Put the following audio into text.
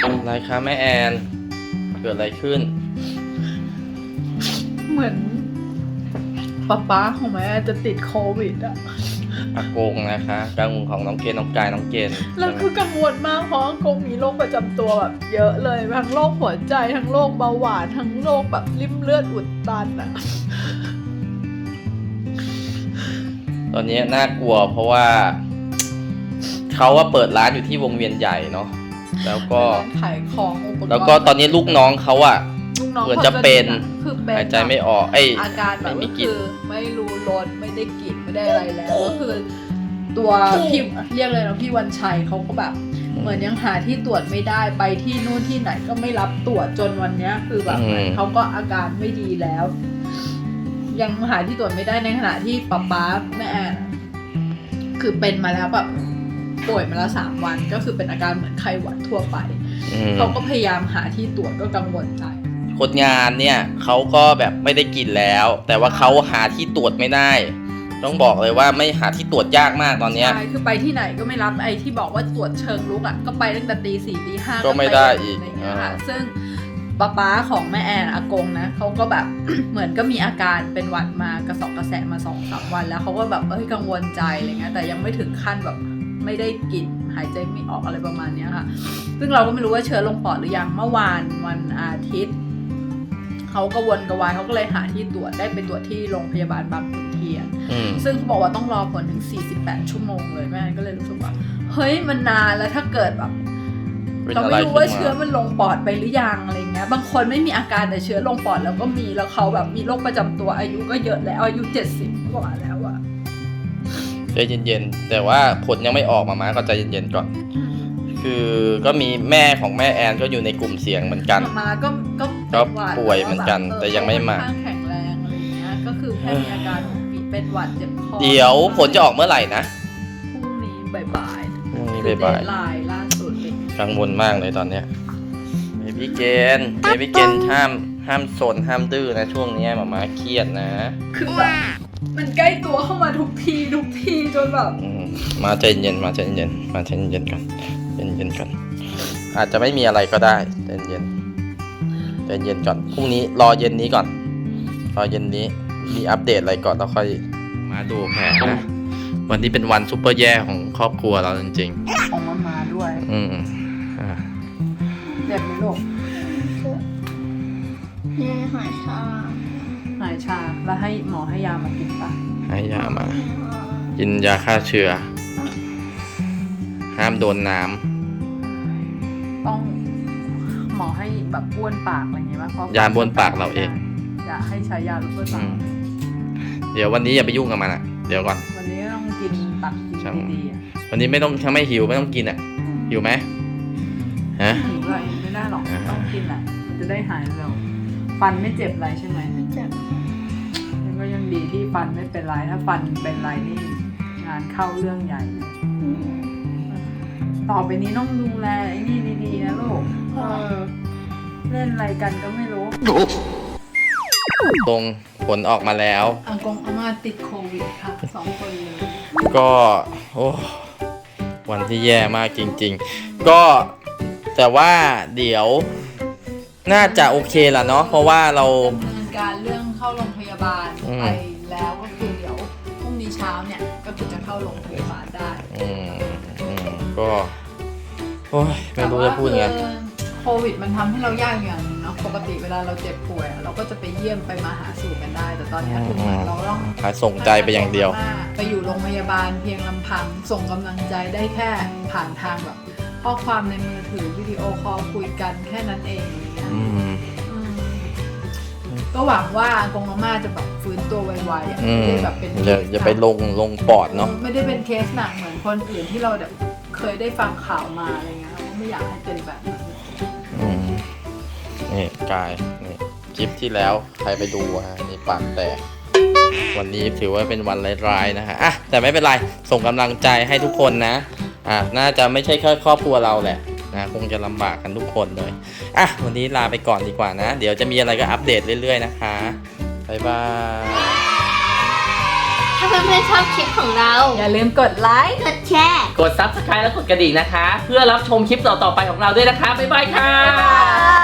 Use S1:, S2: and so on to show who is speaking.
S1: อะไรคะแม่แอนเกิดอะไรขึ้น
S2: เหมือนป๊าของแม่จะติดโควิดอะ
S1: อากงนะคะกังวลของน้องเกณฑ์น้องกายน้องเกณฑ์
S2: แล้วคือกังวลมากเพราะอากงมีโรคประจำตัวแบบเยอะเลยทั้งโรคหัวใจทั้งโรคเบาหวานทั้งโรคแบบริ่มเลือดอุดตันอะ
S1: ตอนนี้น่ากลัวเพราะว่าเขาว่าเปิดร้านอยู่ที่วงเวียนใหญ่เนาะแล้วก็
S2: ขายของอุปกรณ์
S1: แล้วก็ตอนนี้ลูกน้องเขาอะ
S2: ลูกน้อง
S1: เหมือนจะเป็น
S2: คือเป็น
S1: หายใจไม่ออก
S2: อาการแบบ
S1: ไม่มี
S2: ก็
S1: กลิ่
S2: คื
S1: น
S2: อไม่รู้รสไม่ได้กลิ่นไม่ได้อะไรแล้วก็คือตัวพี่เรียกเลยนะพี่วันชัยเขาก็แบบเหมือนยังหาที่ตรวจไม่ได้ไปที่นู่นที่ไหนก็ไม่รับตรวจจนวันเนี้ยคือแบบเขาก็อาการไม่ดีแล้ว ยังหาที่ตรวจไม่ได้ในขณะที่ป๊าแม่แอนคือเป็นมาแล้วแบบป่วยมาแล้ว3 วันก็คือเป็นอาการเหมือนไข้หวัดทั่วไปเขาก็พยายามหาที่ตรวจก็กังวลใจ
S1: คนงานเนี่ยเขาก็แบบไม่ได้กินแล้ว แต่ว่าเขาหาที่ตรวจไม่ได้ต้องบอกเลยว่าไม่หาที่ตรวจยากมากตอนเนี้ย
S2: ใช่คือไปที่ไหนก็ไม่รับไอ้ที่บอกว่าตรวจเชิงลุกอ่ะก็ไปตั้งแต่ตี 4 ตี 5
S1: ก็ไม่ได้อีก
S2: อะไรเงี้ยค่ะซึ่งป๊าของแม่แอนอากงนะเขาก็แบบ เหมือนก็มีอาการเป็นหวัดมากระสอบกระแสมา2-3 วันแล้วเขาก็แบบกังวลใจอะไรเงี้ยแต่ยังไม่ถึงขั้นแบบไม่ได้กลิ่นหายใจไม่ออกอะไรประมาณนี้ค่ะซึ่งเราก็ไม่รู้ว่าเชื้อลงปอดหรือยังเมื่อวานวันอาทิตย์เขาก็วนกระวายเขาก็เลยหาที่ตรวจได้ไปตรวจที่โรงพยาบาลบางขุนเทียนซึ่งเขาบอกว่าต้องรอผลถึง48 ชั่วโมงเลยแม่ก็เลยรู้สึกว่าเฮ้ยมันนานแล้วถ้าเกิดแบบเราไม่รู้ว่าเชื้อมันลงปอดไปหรือยังอะไรเงี้ยบางคนไม่มีอาการแต่เชื้อลงปอดแล้วก็มีแล้วเขาแบบมีโรคประจำตัวอายุก็เยอะแล้วอายุ70กว่าแล้วอะ
S1: ใจเย็นๆแต่ว่าผลยังไม่ออกมาก็ใจเย็นๆก่อนคือก็มีแม่ของแม่แอนก็อยู่ในกลุ่มเสี่ยงเหมือนกัน
S2: มาก็
S1: ป่วยเหมือนกันแต่ยังไม่มา
S2: แข็งแรงอะไรเงี้ยก็คือแค่มีอาการเป็นหวัดเจ็บคอ
S1: เดี๋ยวผลจะออกเมื่อไหร่นะ
S2: พรุ่งนี้บ่ายๆ
S1: พรุ่งนี้บ่าย
S2: ๆล่าสุดเลย
S1: กังวลมากเลยตอนเนี้ยเบบี้เกนห้ามสนห้ามดื้อนะช่วงนี้หมาเครียดนะ
S2: คือแบบมันใกล้ตัวเข้ามาทุกทีจนแบบ
S1: มาใจเย็นก่อนใจเย็นก่อนอาจจะไม่มีอะไรก็ได้ใจเย็นก่อนพรุ่งนี้รอเย็นนี้ก่อนรอเย็นนี้มีอัปเดตอะไรก่อนแล้วค่อยมาดูแผนนะวันนี้เป็นวันซุปเปอร์แย่ของครอบครัวเราจริง
S2: ๆของมาด้วยเจ็บไหมลูกหายชาแล้วให้หมอให้ยามากินปะ
S1: ให้ยามากินยาฆ่าเชื้อห้ามโดนน้
S2: ำต้องหมอให้แบบบ้วนปากอะไรเงี้ยป่ะ
S1: ยาบ้วนปากเราเอง
S2: อย่าให้ใช้ยาบ้วนปาก
S1: เดี๋ยววันนี้อย่าไปยุ่งกับมันเดี๋ยวก่อน
S2: วันนี้ต้องกินตักกินดีๆ
S1: วันนี้ไม่ต้องถ้าไม่หิวไม่ต้องกินหิวไหมฮะ
S2: หิวอะไรไม่ได้หรอกต้องกินแหละมันจะได้หายเร็วฟันไม่เจ็บอะไรใช่ไหมไม่เจ็บก็ยังดีที่ฟันไม่เป็นไรถ้าฟันเป็นไรนี่งานเข้าเรื่องใหญ่ต่อไปนี้ต้องดูแลไอ้นี่ดีๆนะลูกเล่นอะไรกันก็ไม่รู้
S1: ตรงผลออกมาแล้ว
S2: อากงอาม่าติดโควิดค่ะ2 คนเลย
S1: ก็โอ้วันที่แย่มากจริงๆก็แต่ว่าเดี๋ยวน่าจะโอเคละเนาะเพราะว่าเรา
S2: ดำเนินการเรื่องเข้าโรงพยาบาลไปแล้วก็คือเดี๋ยวพรุ่งนี้เช้าเนี่ยก็คือจะเข้าโรงพยาบาลได้
S1: ก็โอ้ยไม่รู้จะพูดไง
S2: โควิดมันทำให้เรายากอย่างนึงเนาะปกติเวลาเราเจ็บป่วยเราก็จะไปเยี่ยมไปมาหาสู่กันได้แต่ตอนนี้คือเราต้อง
S1: ส่งใจไปอย่างเดียว
S2: ไปอยู่โรงพยาบาลเพียงลำพังส่งกำลังใจได้แค่ผ่านทางแบบข้อความในมือถือวิดีโอคอลคุยกันแค่นั้นเองอย่างเงี้ยก็หวังว่ากงอาม่าจะแบบฟื้นตัวไวๆไม่ได้แบบเป็น
S1: อย่าไปลงปอดเนาะ
S2: ไม่ได้เป็นเคสหนักเหมือนคนอื่นที่เราแบบเคยได้ฟังข่าวมาอะไรเงี้ยเราไม่อยากให้เป็นแบบนั้น
S1: นี่กายนี่คลิปที่แล้วใครไปดูนี่ปากแตกวันนี้ถือว่าเป็นวันร้ายๆนะฮะแต่ไม่เป็นไรส่งกำลังใจให้ทุกคนนะน่าจะไม่ใช่แค่ครอบครัวเราแหละนะคงจะลำบากกันทุกคนเลยวันนี้ลาไปก่อนดีกว่านะเดี๋ยวจะมีอะไรก็อัปเดตเรื่อยๆนะคะบ๊ายบาย
S3: ถ้าเพื่อนๆชอบคลิปของเรา
S2: อย่าลืมกดไลค์
S3: กดแชร์
S4: กด Subscribe และกดกระดิ่งนะคะ เพื่อรับชมคลิปต่อๆไปของเราด้วยนะคะ บ๊ายบายค่ะ
S2: บ๊ายบาย